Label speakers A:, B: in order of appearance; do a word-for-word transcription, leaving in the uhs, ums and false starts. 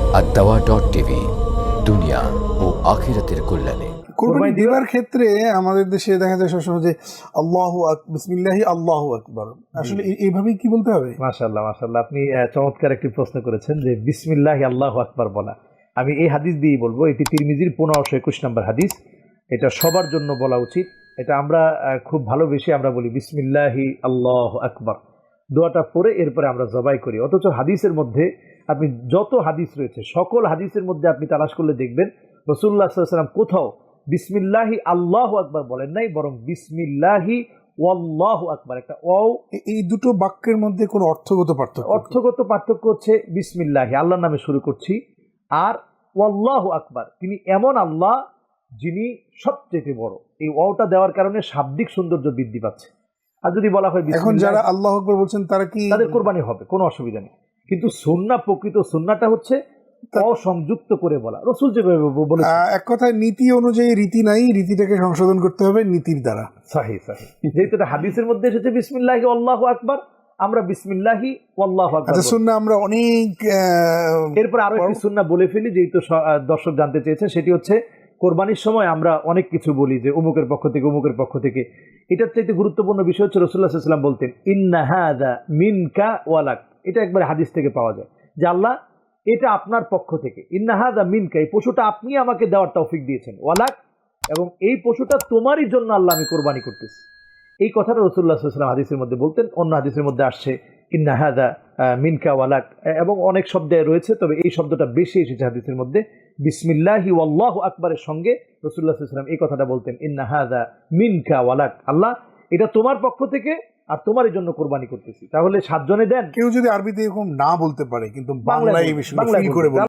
A: আদ-দাওয়া dot TV, দুনিয়া ও আখিরাতের কল্যাণে।
B: কুরবানি দেওয়ার ক্ষেত্রে আমাদের দেশে দেখা যায় সবসময় যে আল্লাহু আকবার, বিসমিল্লাহি আল্লাহু আকবার, আসলে এই- এইভাবেই কি বলতে হবে?
C: মাশাআল্লাহ মাশাআল্লাহ, আপনি আহ, চমৎকার একটি প্রশ্ন করেছেন যে বিসমিল্লাহি আল্লাহু আকবার বলা। আমি এই হাদিস দিয়েই বলবো, এটি তিরমিজির পনেরোশো একুশ নম্বর হাদিস। এটা সবার জন্য বলা উচিত। এটা আমরা আহ, খুব ভালোবেসে আমরা বলি বিসমিল্লাহি আল্লাহু আকবার, দোয়াটা পড়ে এরপরে আমরা জবাই করি। অথচ হাদিসের মধ্যে আপনি যত হাদিস রয়েছে সকল হাদিসের মধ্যে আপনি তালাশ করলে দেখবেন রাসূলুল্লাহ সাল্লাল্লাহু আলাইহি ওয়াসাল্লাম কোথাও বিসমিল্লাহি আল্লাহু আকবার বলেন নাই, বরং বিসমিল্লাহি ওয়াল্লাহু আকবার। একটা ওয়াও,
B: এ- এই দুটো বাক্যের মধ্যে কোনো অর্থগত পার্থক্য কি?
C: অর্থগত পার্থক্য হচ্ছে বিসমিল্লাহি আল্লাহর নামে শুরু করছি, আর ওয়াল্লাহু আকবার তিনি এমন আল্লাহ যিনি সবচেয়ে বড়। এই ওয়াওটা দেওয়ার কারণে শাব্দিক সৌন্দর্য বৃদ্ধি পাচ্ছে। আর যদি বলা হয়
B: এখন
C: বিসমিল্লাহ,
B: যারা আল্লাহু আকবার বলছেন তারা কি
C: তাদের কোরবানি হবে, কোনো অসুবিধা নেই। কিন্তু সুন্নাহ, প্রকৃত সুন্নাহটা হচ্ছে অসংযুক্ত করে বলা। রাসূল যেভাবে বলেছেন,
B: আহ, এক কথায় নীতি অনুযায়ী রীতি নাই, রীতিটাকে সংশোধন করতে হবে নীতির দ্বারা।
C: সহি সহি, যেহেতু এটা হাদিসের মধ্যে এসেছে বিসমিল্লাহি আল্লাহু আকবার, আমরা বিসমিল্লাহি আল্লাহু আকবার
B: আচ্ছা,
C: বলি।
B: শুননা আমরা অনেক আহ,
C: এরপর আরো একটি সুন্নাহ বলে ফেলি, যেহেতু স- আহ, দর্শক জানতে চেয়েছে। সেটি হচ্ছে কোরবানির সময় আমরা অনেক কিছু বলি যে অমুকের পক্ষ থেকে অমুকের পক্ষ থেকে। এটার চাইতে গুরুত্বপূর্ণ বিষয় হচ্ছে রাসূলুল্লাহ সাল্লাল্লাহু আলাইহি ওয়াসাল্লাম বলতেন ইন্না হাযা মিনকা ওয়ালাক। এটা একবার হাদিস থেকে পাওয়া যায় যে আল্লাহ এটা আপনার পক্ষ থেকে, ইন্না হাযা মিনকা, এই পশুটা আপনি আমাকে দেওয়ার তৌফিক দিয়েছেন, ওয়ালাক, এবং এই পশুটা তোমারই জন্য আল্লাহ আমি কোরবানি করতেছি। এই কথাটা রাসূলুল্লাহ সাল্লাল্লাহু আলাইহি ওয়াসাল্লাম হাদিসের মধ্যে বলতেন। অন্য হাদিসের মধ্যে আসছে ইন্না হাযা মিনকা ওয়ালাক, এবং অনেক শব্দে রয়েছে, তবে এই শব্দটা বেশি এসেছে হাদিসের মধ্যে। বিসমিল্লাহি ওয়াল্লাহু আকবারের সঙ্গে রাসূলুল্লাহ সাল্লাল্লাহু আলাইহি ওয়াসাল্লাম এই কথাটা বলতেন, ইন্না হাযা মিনকা ওয়ালাক, আল্লাহ এটা তোমার পক্ষ থেকে আর তোমারই জন্য কোরবানি করতেছি। তাহলে সাতজনে দেন,
B: কেউ যদি আরবিতে এরকম না বলতে পারে কিন্তু
C: বাংলায়
B: বাংলায় এই
C: বলবেন,
B: বিষয়টা
C: বাংলায়
B: ফিল করে
C: বলবেন।
B: বলে